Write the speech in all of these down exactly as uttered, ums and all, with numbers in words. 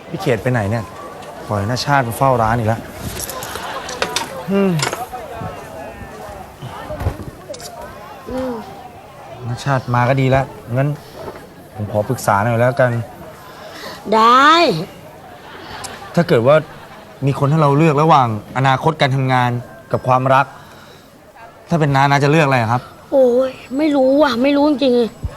พี่เขตไปไหนเนี่ยปล่อยหน้าชาติมาเฝ้าร้านอีกแล้วอืมหน้าชาติมาก็ดีแล้วงั้นผมขอปรึกษาหน่อยแล้วกันได้ถ้าเกิดว่ามีคนให้เราเลือกระหว่างอนาคตการทำงานกับความรัก ถ้าเป็นน้าน้าจะเลือกอะไรครับโอ้ยไม่รู้ว่ะไม่รู้จริง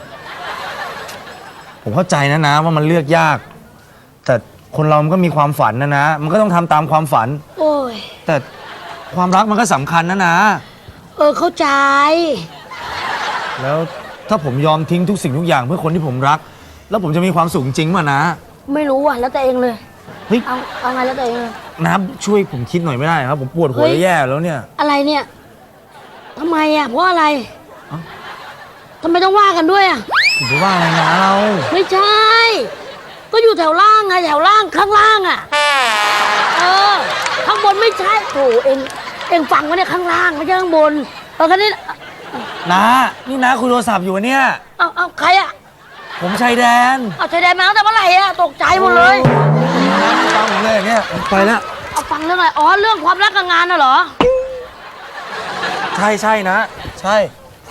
ผมเข้าใจนะนะว่ามันเลือกยาก แต่คนเรามันก็มีความฝันนะนะมันก็ต้องทำตามความฝันโอ้ยแต่ความรักมันก็สำคัญนะนะเออเข้าใจแล้วถ้าผมยอมทิ้งทุกสิ่งทุกอย่างเพื่อคนที่ผมรักแล้วผมจะมีความสุขจริงป่ะนะไม่รู้ว่ะแล้วแต่เองเลยเฮ้ยเอาเอาไงแล้วแต่เองเลยน้าช่วยผมคิดหน่อยไม่ได้ครับผมปวดหัวแย่แล้วเนี่ยอะไรเนี่ยทำไมอ่ะเพราะอะไรทำไมต้องว่ากันด้วยอ่ะผมจะว่าอะไรนะเราไม่ใช่ก็อยู่แถวล่างไงแถวล่างข้างล่างอ่ะเออข้างบนไม่ใช่โถเองเองฟังว่าเนี่ยข้างล่างไม่ใช่ข้างบนเออคันนี้น้านี่น้าคุยโทรศัพท์อยู่เนี่ยเอาเอาใครอ่ะผมชายแดนเอาชายแดนมาตั้งแต่เมื่อไหร่อ่ะตกใจหมดเลยฟังผมเลยเนี่ยไปแล้วเอาฟังเรื่องอะไรอ๋อเรื่องความรักกับงานน่ะเหรอใช่ใช่นะใช่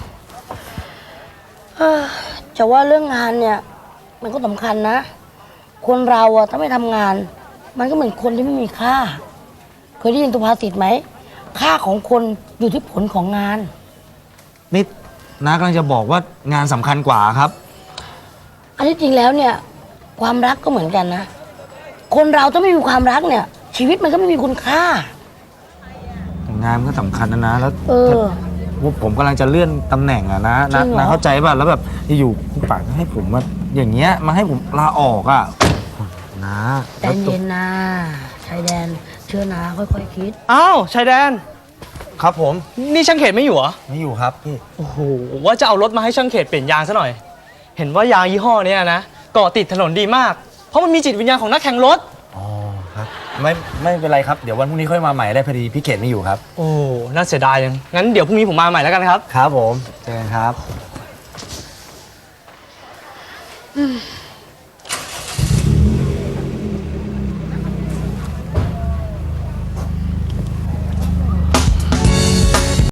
เออจะว่าเรื่องงานเนี่ยมันก็สำคัญนะคนเราอะถ้าไม่ทำงานมันก็เหมือนคนที่ไม่มีค่าเคยได้ยินสุภาษิตไหมค่าของคนอยู่ที่ผลของงานนี่น้ากำลังจะบอกว่างานสำคัญกว่าครับอันที่จริงแล้วเนี่ยความรักก็เหมือนกันนะคนเราถ้าไม่มีความรักเนี่ยชีวิตมันก็ไม่มีคุณค่างานก็สำคัญนะนะแล้วเออผมกำลังจะเลื่อนตำแหน่งอะนะนะนะเข้าใจป่ะแล้วแบบอยู่คุณป่าให้ผมมาอย่างเงี้ยมาให้ผมลาออกอะนะใจเย็นนะชายแดนเชื่อนะค่อยๆคิดอ้าวชายแดนครับผมนี่ช่างเขตไม่อยู่เหรอไม่อยู่ครับพี่โอ้โหว่าจะเอารถมาให้ช่างเขตเปลี่ยนยางซะหน่อยเห็นว่ายางยี่ห้อนี้นะเกาะติดถนนดีมากเพราะมันมีจิตวิญญาณของนักแข่งรถอ๋อครับไม่ไม่เป็นไรครับเดี๋ยววันพรุ่งนี้ค่อยมาใหม่ได้พอดีพี่เขตไม่อยู่ครับโอ้น่าเสียดายยังงั้นเดี๋ยวพรุ่งนี้ผมมาใหม่แล้วกันครับครับผมเจอกันครับ